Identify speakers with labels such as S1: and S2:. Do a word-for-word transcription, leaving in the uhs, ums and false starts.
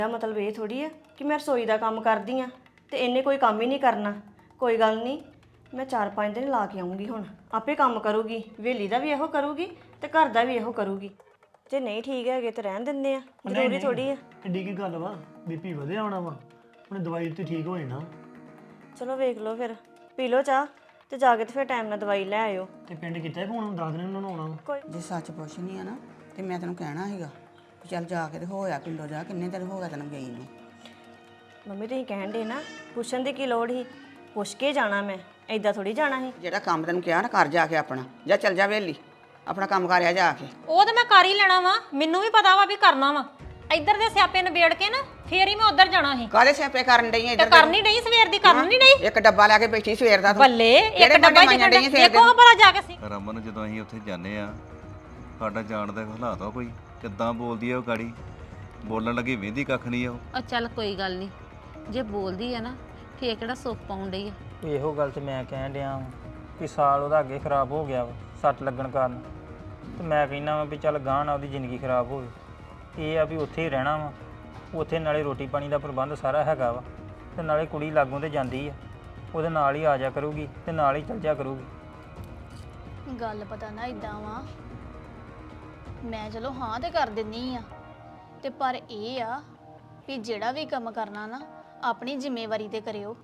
S1: ਇਹਦਾ ਮਤਲਬ ਇਹ ਥੋੜੀ ਹੈ ਕਿ ਮੈਂ ਰਸੋਈ ਦਾ ਕੰਮ ਕਰਦੀ ਆ ਤੇ ਇਹਨੇ ਕੋਈ ਕੰਮ ਹੀ ਨਹੀਂ ਕਰਨਾ। ਕੋਈ ਗੱਲ ਨਹੀਂ, ਮੈਂ ਚਾਰ ਪੰਜ ਦਿਨ ਲਾ ਕੇ ਆਉਂਗੀ। ਹੁਣ ਆਪੇ ਕੰਮ ਕਰੂਗੀ, ਵੇਲੀ ਦਾ ਵੀ ਇਹੋ ਕਰੂਗੀ ਤੇ ਘਰ ਦਾ ਵੀ ਇਹੋ ਕਰੂਗੀ। ਜੇ ਨਹੀਂ ਠੀਕ ਹੈਗੇ ਤੇ ਰਹਿਣ ਦਿੰਦੇ ਆ, ਜ਼ਰੂਰੀ ਥੋੜੀ ਆ।
S2: ਐਡੀ ਕੀ ਗੱਲ ਵਾ, ਬੀਪੀ ਵਧਿਆ ਹੋਣਾ ਵਾ, ਹੁਣ ਦਵਾਈ ਤੇ ਠੀਕ ਹੋ ਜਾਣਾ।
S1: ਚਲੋ ਵੇਖ ਲਓ, ਫਿਰ ਪੀ ਲਓ ਚਾਹ ਤੇ ਜਾ ਕੇ ਤੇ ਫਿਰ ਟਾਈਮ ਨਾਲ ਦਵਾਈ ਲੈ ਆਇਓ।
S2: ਤੇ ਪਿੰਡ ਕੀਤਾ ਫੋਨ, ਦੱਸ ਦਿਨ ਉਹਨਾਂ ਨੂੰ ਆਉਣਾ।
S1: ਕੋਈ
S3: ਜੇ ਸੱਚ ਪੁੱਛਣੀ ਆ ਨਾ ਤੇ ਮੈਂ ਤੈਨੂੰ ਕਹਿਣਾ ਸੀਗਾ ਵੀ ਚੱਲ ਜਾ ਕੇ ਤੇ ਹੋਇਆ ਪਿੰਡੋਂ ਜਾ, ਕਿੰਨੇ ਦਿਨ ਹੋ ਗਿਆ ਤੈਨੂੰ ਗਈ ਨੂੰ।
S1: ਮੰਮੀ ਤੁਸੀਂ ਕਹਿਣ ਦੇ ਨਾ, ਪੁੱਛਣ ਦੀ ਕੀ ਲੋੜ ਸੀ? ਪੁੱਛ ਕੇ ਜਾਣਾ, ਮੈਂ ਐਦਾਂ ਥੋੜੀ ਜਾਣਾ ਸੀ।
S3: ਜਿਹੜਾ ਕੰਮ ਤੈਨੂੰ ਕਿਹਾ ਨਾ ਕਰ ਜਾ ਕੇ ਆਪਣਾ, ਜਾਂ ਚੱਲ ਜਾ ਵੇਲੀ ਆਪਣਾ ਕੰਮ ਕਰਿਆ ਜਾ ਕੇ।
S4: ਉਹ ਤਾਂ ਮੈਂ ਕਰ ਹੀ ਲੈਣਾ ਵਾ, ਮੈਨੂੰ ਵੀ ਪਤਾ ਵਾ ਵੀ ਕਰਨਾ ਵਾ। ਇੱਧਰ ਦੇ ਸਿਆਪੇ ਨਿਬੇੜ ਕੇ ਨਾ ਫੇਰ ਹੀ ਮੈਂ ਉੱਧਰ ਜਾਣਾ ਸੀ।
S3: ਕਾਹਦੇ ਸਿਆਪੇ ਕਰਨ ਡਈ
S4: ਤੇ
S3: ਇੱਧਰ
S4: ਕਰਨੀ ਨਹੀਂ ਸਵੇਰ ਦੀ, ਕਰਨੀ ਨਹੀਂ।
S3: ਇੱਕ ਡੱਬਾ ਲੈ ਕੇ ਬੈਠੀ ਸਵੇਰ ਦਾ ਤੂੰ।
S4: ਬੱਲੇ ਇੱਕ
S3: ਕਿਹੜੇ
S4: ਡੱਬਾ
S3: ਭਾਂਡੇ
S4: ਜਿਹੜਾ
S3: ਮਾਂਜਣ ਡਈ ਸਵੇਰ
S4: ਦੇਖੋ
S3: ਦੇ?
S4: ਭਲਾ ਜਾ ਕੇ ਸੀ।
S5: ਰਮਨ ਜਦੋਂ ਅਸੀਂ ਉੱਥੇ ਜਾਂਦੇ ਆ, ਸਾਡਾ ਜਾਣ ਦਾ ਹਾਲਾਤ ਆ ਕੋਈ ਕਿੱਦਾਂ ਬੋਲਦੀ ਆ ਉਹ ਗਾੜੀ, ਬੋਲਣ ਲੱਗੀ ਵੇਂਦੀ ਕੱਖ ਨਹੀਂ ਆ ਉਹ।
S6: ਉਹ ਚੱਲ ਕੋਈ ਗੱਲ ਨਹੀਂ, ਜੇ ਬੋਲਦੀ ਆ ਨਾ ਫੇਰ ਕਿਹੜਾ ਸੁੱਖ ਪਾਉਣ ਡਈ ਆ।
S7: ਇਹੋ ਗੱਲ ਤੇ ਮੈਂ ਕਹਿਣ ਡਿਆ ਵਾਂ ਕਿ ਸਾਲ ਉਹਦਾ ਅੱਗੇ ਖਰਾਬ ਹੋ ਗਿਆ ਵਾ ਸੱਟ ਲੱਗਣ ਕਾਰਨ। ਤੇ ਮੈਂ ਕਹਿੰਦਾ ਵਾਂ ਵੀ ਚੱਲ ਗਾਂਹ ਨਾ ਉਹਦੀ ਜ਼ਿੰਦਗੀ ਖਰਾਬ ਹੋਵੇ। ਇਹ ਆ ਵੀ ਉੱਥੇ ਹੀ ਰਹਿਣਾ ਵਾ, ਉੱਥੇ ਨਾਲੇ ਰੋਟੀ ਪਾਣੀ ਦਾ ਪ੍ਰਬੰਧ ਸਾਰਾ ਹੈਗਾ ਵਾ, ਤੇ ਨਾਲੇ ਕੁੜੀ ਲਾਗੋਂ ਤੇ ਜਾਂਦੀ ਆ, ਉਹਦੇ ਨਾਲ ਹੀ ਆ ਜਾ ਕਰੂਗੀ ਤੇ ਨਾਲ ਹੀ ਚੱਲ ਜਾ ਕਰੂਗੀ।
S8: ਗੱਲ ਪਤਾ ਨਾ ਇਦਾਂ ਵਾ, ਮੈਂ ਚਲੋ ਹਾਂ ਤੇ ਕਰ ਦਿੰਨੀ ਆ, ਤੇ ਪਰ ਇਹ ਆ ਵੀ ਜਿਹੜਾ ਵੀ ਕੰਮ ਕਰਨਾ ਨਾ ਆਪਣੀ ਜ਼ਿੰਮੇਵਾਰੀ ਤੇ ਕਰਿਓ।